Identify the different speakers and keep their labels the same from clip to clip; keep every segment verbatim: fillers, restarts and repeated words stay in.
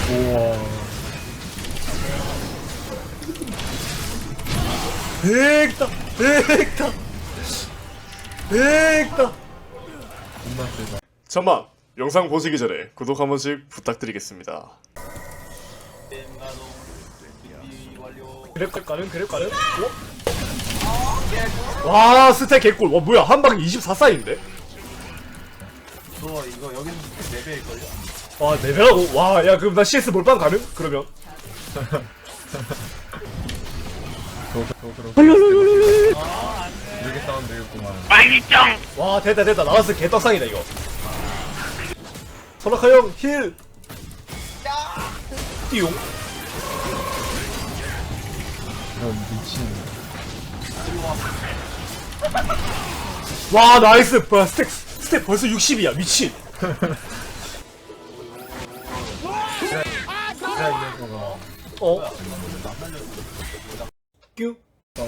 Speaker 1: 우와.
Speaker 2: 백다 백다 백다.
Speaker 1: 존나 세다.
Speaker 2: 잠만, 영상 보시기 전에 구독 한 번씩 부탁드리겠습니다. 그랩 가능? 그랩 가능? 어? 와, 스택 개꿀. 와, 뭐야, 한 방에 이십사 사인데?
Speaker 3: 너 이거 여기는 네 배일걸요?
Speaker 2: 와, 네 배라고? 와, 야, 그럼 나 씨에스 몰빵 가능? 그러면?
Speaker 1: 이렇게 싸우면 되겠구만.
Speaker 2: 와, 됐다, 됐다. 나왔어. 개떡상이다, 이거. 소라카 형, 힐! 띠용.
Speaker 1: 이런 미친.
Speaker 2: 와, 나이스. 뭐야, 스택, 스택 벌써 육십이야. 미친.
Speaker 1: 진짜 이 녀석아.
Speaker 2: 어? 뀨?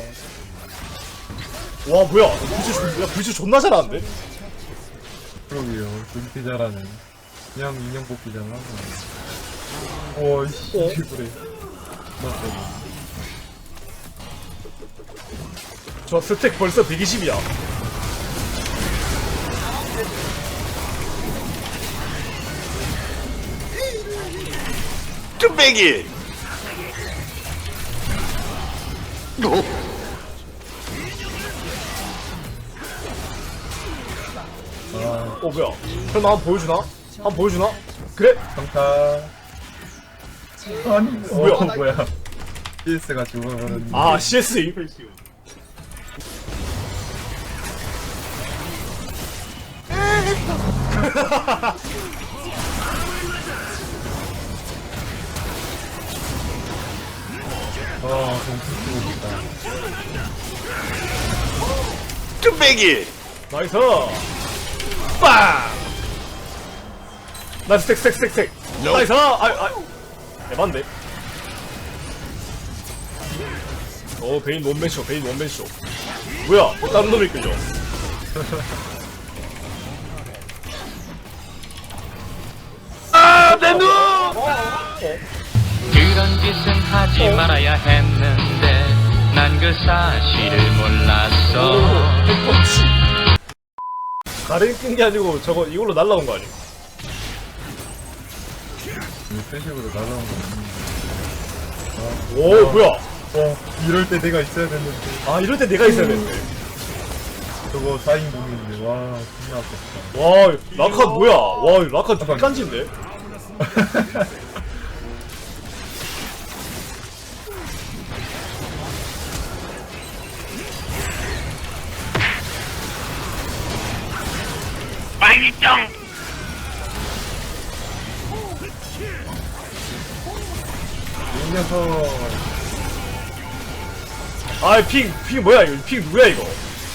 Speaker 2: 와, 뭐야. 불치, 존- 야, 불치 존나 잘하는데?
Speaker 1: 그러게요. 그렇게 잘하네. 그냥 인형 뽑기잖아. 어이씨.
Speaker 2: 어?
Speaker 1: 그래. 맞다.
Speaker 2: 저 스택 벌써 백이십이야.
Speaker 4: 뚝배기.
Speaker 1: 아,
Speaker 2: 어, 뭐야. 설마 한번 보여주나? 한번 보여주나? 그래?
Speaker 1: 평타. 아니,
Speaker 2: 뭐야?
Speaker 1: 어, 뭐야. 씨에스가 죽어버렸네.
Speaker 2: 아, 씨에스.
Speaker 1: 아, 정신 쓰고 있다.
Speaker 4: 뚝배기.
Speaker 2: 나이스. 빵! 나이스, 스택, 스택, 스택, 스택. 나이스. 아, 아. 에반데. 어, 베인 원맨쇼, 베인 원맨쇼. 뭐야, 뭐 다른 놈이 끌려.
Speaker 4: 아, 내 눈.
Speaker 5: 그런 짓은 하지 말아야 했는데 난 그 사실을 몰랐어.
Speaker 2: 가랭 끈게 아니고 저거 이걸로 날라온 거 아니야?
Speaker 1: 이 패식으로 날라온 거 아닌데.
Speaker 2: 오, 뭐야.
Speaker 1: 어, 이럴 때 내가 있어야 됐는데.
Speaker 2: 아, 이럴 때 내가 있어야 되는데.
Speaker 1: 저거 사 인공인데, 와, 존나 아깝다.
Speaker 2: 와, 라칸 뭐야? 와, 라칸 되게 깐진데?
Speaker 4: 빨리짱.
Speaker 1: 이 녀석.
Speaker 2: 아, 핑, 핑 뭐야, 이거? 핑 누구야, 이거?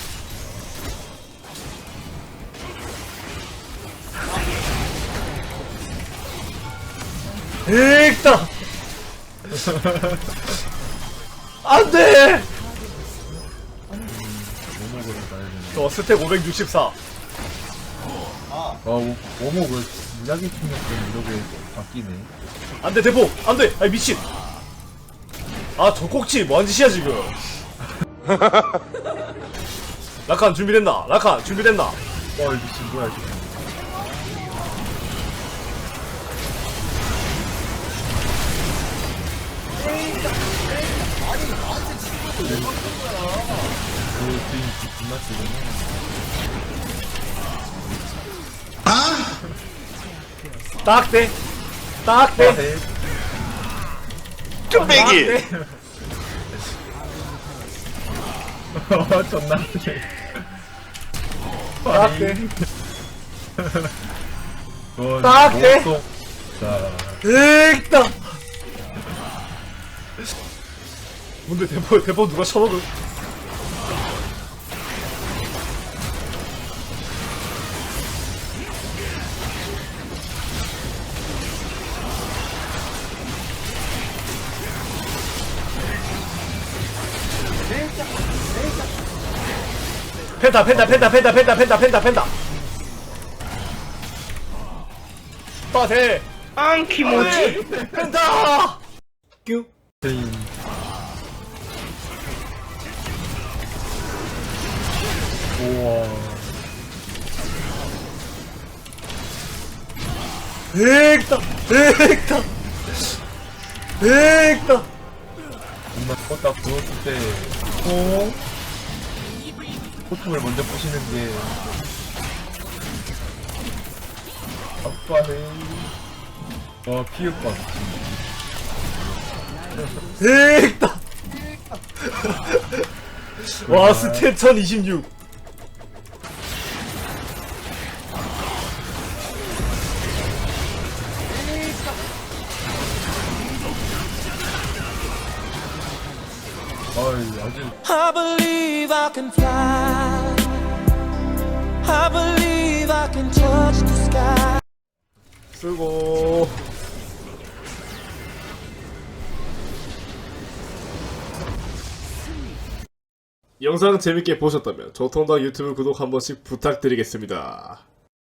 Speaker 2: 에익다! 안 돼!
Speaker 1: 오목으로 가야 되네.
Speaker 2: 저 스택 오백육십사.
Speaker 1: 아, 오- 오목을 무작위 충격 때문에 이렇게 바뀌네.
Speaker 2: 안 돼, 대포! 안 돼! 아이, 미친! 아, 저 꼭지, 뭐한 짓이야, 지금? 라칸 준비됐나? 라칸 준비됐나?
Speaker 1: 와, 이 미친 뭐야, 지금. 그 주인 존나 쓰구나.
Speaker 2: 딱 돼! 딱 돼!
Speaker 1: 네.
Speaker 4: 뚝배기.
Speaker 1: 어, 존나 쓰네.
Speaker 2: 딱 돼!
Speaker 1: 그건
Speaker 2: 딱 돼.
Speaker 1: 목속. 자,
Speaker 2: 에익다! 뭔데, 대포, 대포 누가 쳐먹을? 펜타 펜타 펜타 펜타 펜타 펜타 펜타 펜타 빠세
Speaker 4: 안 키모지.
Speaker 2: 펜타! 뀨.
Speaker 1: 페인. 우와.
Speaker 2: 백다! 백다! 백다!
Speaker 1: 정말 껐다 부었을 때,
Speaker 2: 어?
Speaker 1: 호통을 먼저 부시는 게, 아빠네. 와, 피흡과
Speaker 2: 백다! 와, 스탯 천이십육.
Speaker 1: 어이, 아주.
Speaker 3: I believe I can fly. I believe I can touch the sky.
Speaker 2: 쓰고. 영상 재밌게 보셨다면 조통당 유튜브 구독 한 번씩 부탁드리겠습니다.